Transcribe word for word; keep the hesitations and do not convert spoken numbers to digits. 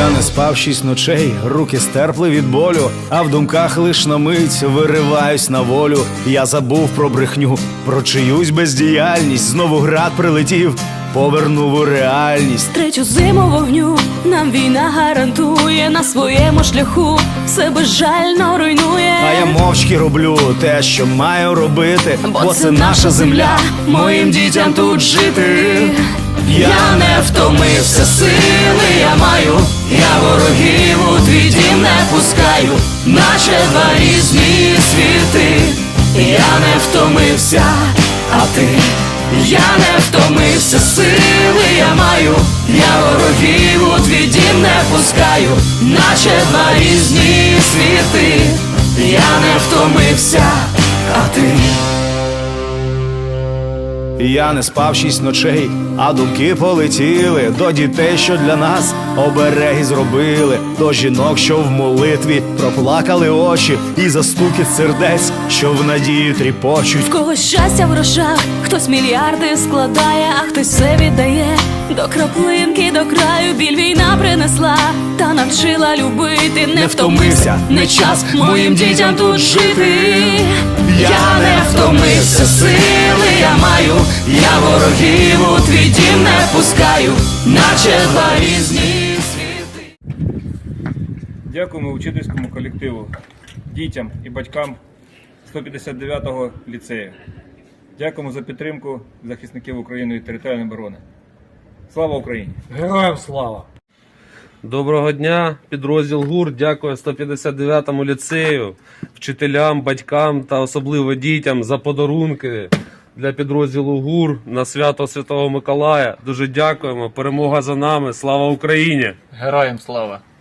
Я не спав шість ночей, руки стерпли від болю, а в думках лиш на мить вириваюсь на волю. Я забув про брехню, про чиюсь бездіяльність. Знову град прилетів, повернув у реальність. Третю зиму вогню нам війна гарантує, на своєму шляху все безжально руйнує. А я мовчки роблю те, що маю робити, бо, Бо це наша земля, моїм дітям тут жити. Я не втомився, сили я маю, я ворогів у твій дім не пускаю, наче два різні світи. Я не втомився, а ти? Я не втомився, сили я маю, я ворогів у твій дім не пускаю, наче два різні світи. Я не втомився, а ти? Я не спав шість ночей, а думки полетіли до дітей, що для нас обереги зробили, до жінок, що в молитві проплакали очі, і за стукіт сердець, що в надії тріпочуть. В когось щастя в грошах, хтось мільярди складає, а хтось все віддає до краплинки, до краю. Біль війна принесла та навчила любити. Не втомився, не час моїм дітям тут жити. Я не втомився, сили я маю, я ворогів у твій дім не пускаю, наче два різні світи. Дякуємо учительському колективу, дітям і батькам сто п'ятдесят дев'ятого ліцею. Дякуємо за підтримку захисників України і територіальної оборони. Слава Україні! Героям слава! Доброго дня, підрозділ ГУР. Дякую сто п'ятдесят дев'ятому ліцею, вчителям, батькам та особливо дітям за подарунки для підрозділу ГУР на свято Святого Миколая. Дуже дякуємо. Перемога за нами. Слава Україні! Героям слава!